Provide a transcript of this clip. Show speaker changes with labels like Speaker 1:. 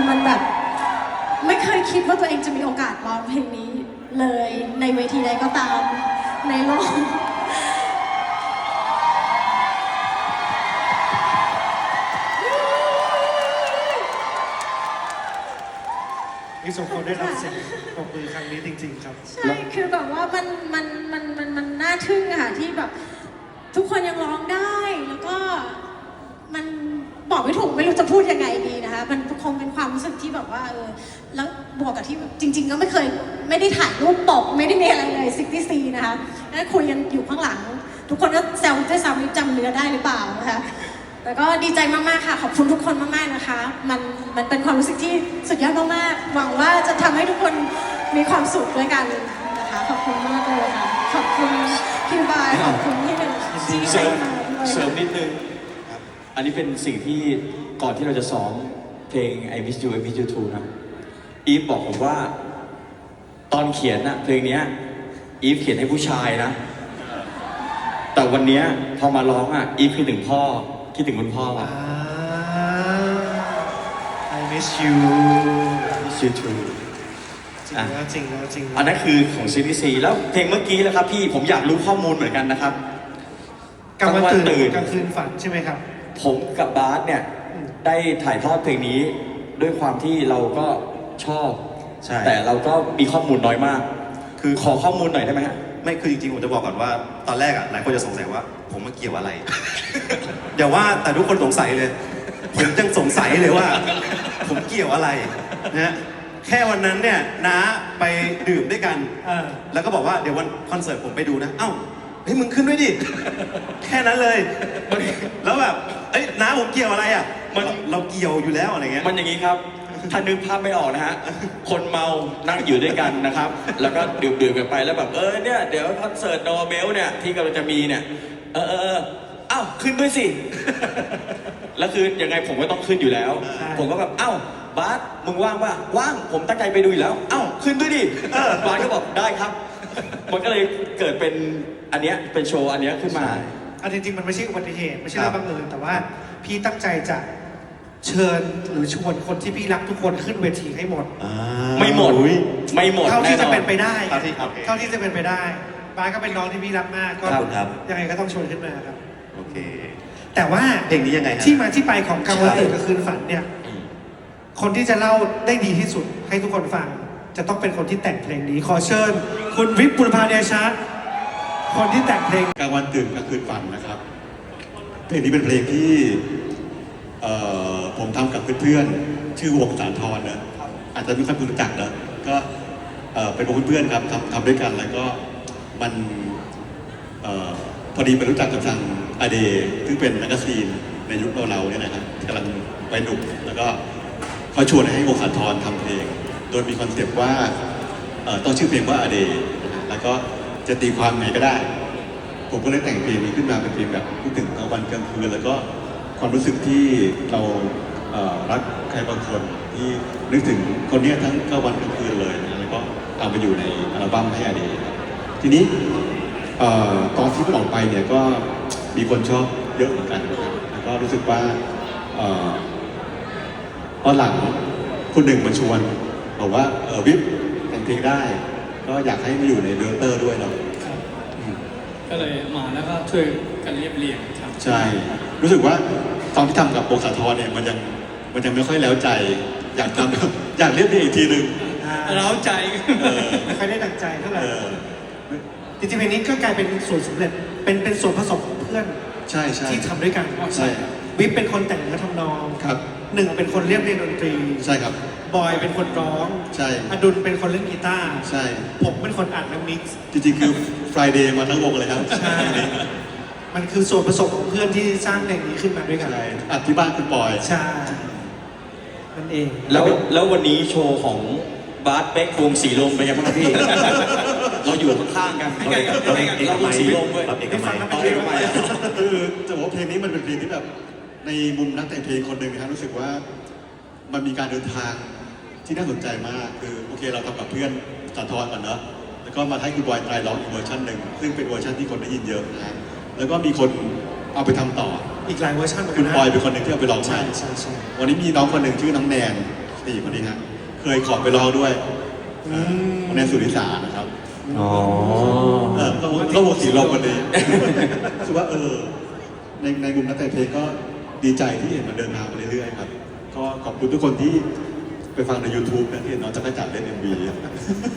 Speaker 1: มันแบบไม่เคยคิดว่าตัวเองจะมีโอกาสร้องเพลงนี้เลยในเวทีใดก็ตามในโลก
Speaker 2: ที่สมควรได้รับเสียงปรบมือครั้งนี้จริงๆครับ
Speaker 1: ใช่คือแบบว่ามันน่าทึ่งอะค่ะที่แบบทุกคนยังร้องได้แล้วก็มันบอกไม่ถูกไม่รู้จะพูดยังไงดีนะคะมันคงเป็นความรู้สึกที่แบบว่าแล้วบวกกับที่จริงๆก็ไม่ได้ถ่ายรูปปกไม่ได้มีอะไรเลย64นะคะแล้วคุยกันอยู่ข้างหลังทุกคนก็แซวด้วยซ้ำจำเนื้อได้หรือเปล่านะคะแต่ก็ดีใจมากๆค่ะขอบคุณทุกคนมากๆนะคะมันเป็นความรู้สึกที่สุดยอดมากๆหวังว่าจะทำให้ทุกคนมีความสุขด้วยกันนะคะขอบคุณมากเลยค่ะขอบคุณพี่บายขอบคุณพี่หนึ่งที่ให้มาด้วย
Speaker 3: เสริมนิดนึงอันนี้เป็นสิ่งที่ก่อนที่เราจะซ้อมเพลง I Miss You I Miss You Too นะอีฟบอกผมว่าตอนเขียนนะเพลงนี้อีฟเขียนให้ผู้ชายนะแต่วันนี้พอมาร้องอ่ะอีฟคิดถึงพ่อคิดถึงคุณพ่ออ่ะ
Speaker 2: I miss you
Speaker 3: Miss You Too
Speaker 2: จริงแล้วจริงแล้วจริงแล้ว
Speaker 3: อันนั้นคือของซีรีส์ซีแล้วเพลงเมื่อกี้แล้วครับพี่ผมอยากรู้ข้อมูลเหมือนกันนะครับ
Speaker 2: กลางวันตื่นกลางคืนฝันใช่ไหมครับ
Speaker 3: ผมกับบาสเนี่ยได้ถ่ายทอดเพลงนี้ด้วยความที่เราก็ชอบแต่เราก็มีข้อมูลน้อยมากคือขอข้อมูลหน่อยได้ไหมฮะ
Speaker 4: ไม่คือจริงๆผมจะบอกก่อนว่าตอนแรกหลายคนจะสงสัยว่าผมมาเกี่ยวอะไร เดี๋ยวว่าแต่ทุกคนสงสัยเลยผมยังสงสัยเลยว่า ผมเกี่ยวอะไรนะแค่วันนั้นเนี่ยน้าไปดื่มด้วยกันแล้วก็บอกว่าเดี๋ยววันคอนเสิร์ตผมไปดูนะเอ้าเฮ้ยมึงขึ้นด้วยดิแค่นั้นเลยแล้วแบบเอ้ยน้าผมเกี่ยวอะไรอ่ะมันเราเกี่ยวอยู่แล้วอะไรเงี้ย
Speaker 3: มันอย่างนี้ครับถ้านึกภาพไม่ออกนะฮะคนเมานั่งอยู่ด้วยกันนะครับแล้วก็ดื่มกันไปแล้วแบบเนี่ยเดี๋ยวคอนเสิร์ตโนเบลเนี่ยที่กำลังจะมีเนี่ยเอ้าขึ้นด้วยสิแล้วคือยังไงผมก็ต้องขึ้นอยู่แล้วผมก็แบบเอ้าบาสมึงว่างป่ะว่างผมตั้งใจไปดูอยู่แล้วเอ้าขึ้นด้วยดิบาสก็บอกได้ครับมันก็เลยเกิดเป็นอันเนี้ยเป็นโชว์อันเนี้ยขึ้นมา
Speaker 2: จริงๆมันไม่ใช่อุบัติเหตุไม่ใช่เรื่องบังเอิญแต่ว่าพี่ตั้งใจจะเชิญหรือชวนคนที่พี่รักทุกคนขึ้นเวทีให้หมด
Speaker 3: ไม่หมด
Speaker 2: เท่าที่จะเป็นไปได้เท่าที่จะเป็นไปได้บาสก็เป็นน้องที่พี่รักมากก็ยังไงก็ต้องชวนขึ้นมาครับ
Speaker 4: โอเค
Speaker 2: แต่ว่า
Speaker 4: เพลงนี้ยังไง
Speaker 2: ที่มาที่ไปของกลางวันตื่นกลางคืนฝันเนี่ยคนที่จะเล่าได้ดีที่สุดให้ทุกคนฟังจะต้องเป็นคนที่แต่งเพลงนี้ขอเชิญคุณวิปปุรพาเดชะคนที่แต่งเพลง
Speaker 5: กลางวันตื่นกลางคืนฝันนะครับเพลงนี้เป็นเพลงที่ผมทำกับเพื่อนๆชื่อวงสารทรนะอาจจะไม่ค่อยรู้จักนะก็เป็นวงเพื่อนๆครับทำด้วยกันแล้วก็มันพอดีไปรู้จักกับทางอเดซึ่งเป็นแมกกาซีนในยุคเราเนี่ยนะครับกำลังไปหนุ่มแล้วก็เขาชวนให้วงสารทรทำเพลงโดยมีคอนเซปต์ว่าต้องชื่อเพลงว่าอเดแล้วก็จะตีความไงก็ได้ผมก็เลยแต่งเพลงนี้ขึ้นมาเป็นเพลงแบบพูดถึงกลางวันกลางคืนแล้วก็ความรู้สึกที่เรารักใครบางคนที่นึกถึงคนนี้ทั้งกลางวันกลางคืนเลยนะแล้วก็เอาไปอยู่ในอัลบั้มให้อเดทีนี้ตอนที่มันออกไปเนี่ยก็มีคนชอบเยอะเหมือนกันนะครับแล้วก็รู้สึกว่าตอนหลังคนหนึ่งมาชวนบอกว่าวิปแต่งเพลงได้ก็อยากให้มาอยู่ในเดเตอร์ด้วยเนาะ
Speaker 6: ก็เลยมาแล้วก็ช่วยกันเรียบเรียงครับ
Speaker 5: ใช่รู้สึกว่าตอนที่ทำกับวงสารทรเนี่ยมันยังไม่ค่อยแล้วใจอยากทำอยากเรียบเรียงอีกทีนึง
Speaker 6: เร้าใจ
Speaker 2: ไม่ค่อยได้ดังใจเท่าไหร่จริงๆเพลงนี้ก็กลายเป็นส่วนสำเร็จเป็นส่วนผสมของเพื่อน
Speaker 5: ใช่
Speaker 2: ที่ทำด้วยกัน
Speaker 5: ใช่
Speaker 2: วิปเป็นคนแต่งเนื้อทำนอง
Speaker 5: ครับ
Speaker 2: หนึ่งเป็นคนเรียบเรียงดนตรี
Speaker 5: ใช่ครับ
Speaker 2: บอยเป็นคนร้อง
Speaker 5: ใช่
Speaker 2: อดุลเป็นคนเล่นกีตาร์
Speaker 5: ใช่
Speaker 2: ผมเป็นคนอัดและมิกซ์
Speaker 5: จริงๆคือ Friday มาทั้งวงเลยครับ
Speaker 2: ใช่มันคือส่วนผสมของเพื่อนที่สร้างเพลงนี้ขึ้นมาด้วยกัน
Speaker 5: อัดที่บ้านคุณบอย
Speaker 2: ใช่นั่นเอง
Speaker 3: แล้ววันนี้โชว์ของบาสเป๊กวงสีลมเป็นยังไงบ้างพี่เราอยู่ข้างๆกันเราวงสีลมด้วย
Speaker 4: เอกมัย
Speaker 5: คือจะบอกว่าเพลงนี้มันเป็นเพลงที่แบบในมุมนักแต่งเพลงคนหนึ่งนะครับรู้สึกว่ามันมีการเดินทางที่น่าสนใจมากคือโอเคเราทำกับเพื่อนสารทรก่อนเนอะแล้วก็มาให้คุณบอยไตรร้องอีกเวอร์ชันหนึ่งซึ่งเป็นเวอร์ชันที่คนได้ยินเยอะนะแล้วก็มีคนเอาไปทำต่อ
Speaker 2: อีกหลายเวอร์ชัน
Speaker 5: คุณบอยเป็นคนหนึ่งที่เอาไปร้อง
Speaker 2: ใช่
Speaker 5: วันนี้มีน้องคนหนึ่งชื่อน้องแนนนี่คนนี้ฮะเคยขอไปร้องด้วยในสุริสานะครับ
Speaker 3: อ๋อ
Speaker 5: ก็วงสีลมวันนี้ คือว่าในมุมนักแต่งเพลงก็ดีใจที่เห็นมันเดินทางไปเรื่อยๆครับ ก็ขอบคุณทุกคนที่ไปฟังใน YouTube นะที่เห็นน้องจักรจันทร์เล่น MV